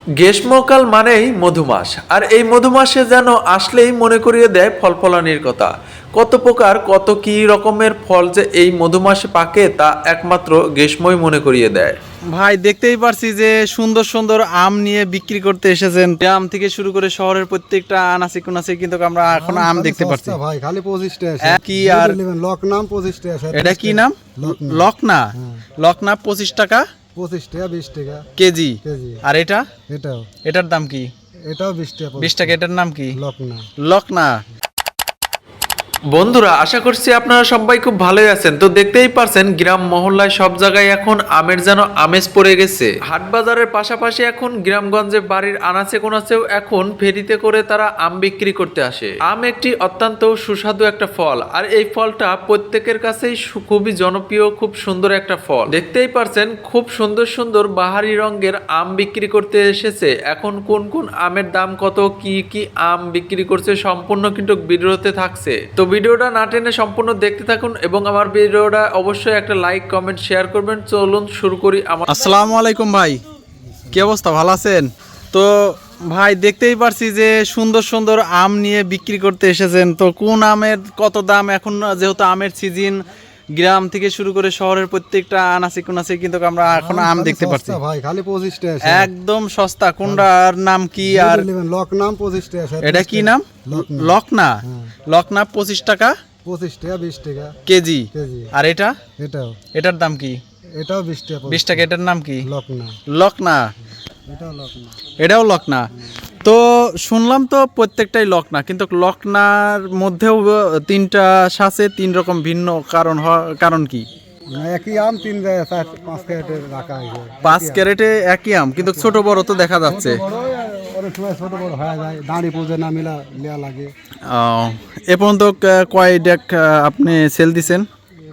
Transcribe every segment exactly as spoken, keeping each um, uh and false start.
গ্রীষ্মকাল মানেই মধুমাস, আর এই মধুমাসে যেন আসলেই মনে করিয়ে দেয় ফলফলানির কথা। কত প্রকার কত কি রকমের ফল যে এই মধুমাসে পাকে তা একমাত্র গ্রীষ্মই মনে করিয়ে দেয়। ভাই দেখতেই পারছি যে সুন্দর সুন্দর আম নিয়ে বিক্রি করতে এসেছেন। আম থেকে শুরু করে শহরের প্রত্যেকটা আনাচে কোনাচে কিন্তু আমরা এখন আম দেখতে পাচ্ছি। ভাই খালি পঁচিশ টাকা কি আর লক নাম পঁচিশ টাকা। এটা কি নাম? লকনা। লকনা পঁচিশ টাকা পঁচিশ টাকা বিশ টাকা কেজি। কেজি। আর এটা এটাও এটার দাম কি? এটাও বিশ টাকা বিশ টাকা। এটার নাম কি? লকনা। লকনা। বন্ধুরা, আশা করছি আপনারা সবাই খুব ভালোই আছেন। তো দেখতেই পারছেন গ্রাম মহল্লায় সব জায়গায় এখন আমের যেন আমেজ পড়ে গেছে। হাট বাজারের পাশাপাশি এখন গ্রামগঞ্জে বাড়ির আনাচে কোনাচেও এখন ফেরিতে করে তারা আম বিক্রি করতে আসে। আম একটি অত্যন্ত সুস্বাদু একটা ফল, আর এই ফলটা প্রত্যেকের কাছেই খুবই জনপ্রিয়, খুব সুন্দর একটা ফল। দেখতেই পারছেন খুব সুন্দর সুন্দর বাহারি রঙের আম বিক্রি করতে এসেছে। এখন কোন কোন আমের দাম কত, কি কি আম বিক্রি করছে সম্পূর্ণ কিন্তু ভিডিওতে থাকছে। তো ভিডিওটা না টেনে সম্পূর্ণ দেখতে থাকুন এবং আমার ভিডিওটা অবশ্যই একটা লাইক কমেন্ট শেয়ার করবেন। চলুন শুরু করি। আমার আসসালামু আলাইকুম ভাই, কি অবস্থা, ভালো আছেন? তো ভাই দেখতেই পারছি যে সুন্দর সুন্দর আম নিয়ে বিক্রি করতে এসেছেন। তো কোন আমের কত দাম এখন, যেহেতু আমের সিজন, গ্রাম থেকে শুরু করে শহরের প্রত্যেকটা আনাচে কোনাচে কিন্তু আমরা এখন আম দেখতে পাচ্ছি। ভাই খালি পঁচিশ টাকা একদম সস্তা। কোনটার নাম কি? আর লক নাম পঁচিশ টাকা। এটা কি নাম? লকনা। লকনা পঁচিশ টাকা পঁচিশ টাকা বিশ টাকা কেজি। কেজি। আর এটা এটাও এটার দাম কি? এটাও বিশ টাকা বিশ টাকা। এটার নাম কি? লকনা। লকনা। এটাও লকনা। এটাও লকনা। তো শুনলাম তো প্রত্যেকটাই লকনা, কিন্তু লকনার মধ্যেও তিনটা সাথে তিন রকম ভিন্ন কারণ। কারণ কি? একই আম তিন জায়গায় চার পাঁচ ক্যারেটে রাখা হয়েছে। পাঁচ ক্যারেটে একই আম, কিন্তু ছোট বড় তো দেখা যাচ্ছে। অনেক সময় ছোট বড় হয়ে যায়, দাঁড়ি পুজো না মিলা নেওয়া লাগে। এ পর্যন্ত কয় ডেক আপনি সেল দিছেন?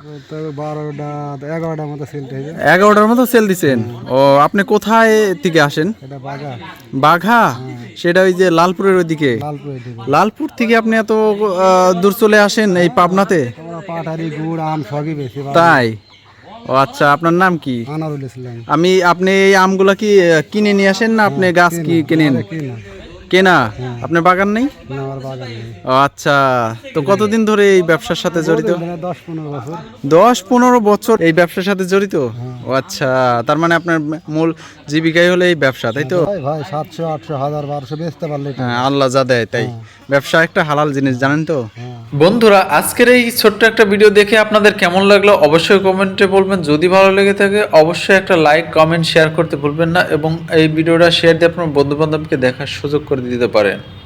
বারোটা এগারোটার মতো সেল হয়েছে। এগারোটার মতো সেল দিছেন। ও, আপনি কোথায় থেকে আসেন? এটা বাগা। বাঘা? সেটা ওই যে লালপুরের ওইদিকে। লালপুর এদিকে। লালপুর থেকে আপনি এত আহ, দূর চলে আসেন এই পাবনাতে? আমরা পাটারি গুড় আম সবই বেশি। তাই? ও আচ্ছা, আপনার নাম কি? আনারুল ইসলাম। আমি আপনি এই আমগুলা কি আহ, কিনে নিয়ে আসেন না আপনি গাছ কি কেনেন? কিনা। কেনা? আপনার বাগান নেই? না, আমার বাগান নেই। ও আচ্ছা। তো কতদিন ধরে এই ব্যবসার সাথে জড়িত? দশ পনেরো বছর। দশ পনেরো বছর এই ব্যবসার সাথে জড়িত? ও আচ্ছা, তার মানে আপনার মূল জীবিকাই হলো এই ব্যবসা, তাই তো? ভাই ভাই সাতশো আটশো হাজার বারোশো বেচতে পারলে হ্যাঁ, আল্লাহ যা দেয় তাই। ব্যবসা একটা হালাল জিনিস, জানেন তো? বন্ধুরা, আজকের এই ছোট্ট একটা ভিডিও দেখে আপনাদের কেমন লাগলো অবশ্যই কমেন্টে বলবেন। যদি ভালো লেগে থাকে অবশ্যই একটা লাইক কমেন্ট শেয়ার করতে ভুলবেন না, এবং এই ভিডিওটা শেয়ার দিয়ে আপনার বন্ধু বান্ধবকে দেখার সুযোগ করে দিতে পারেন।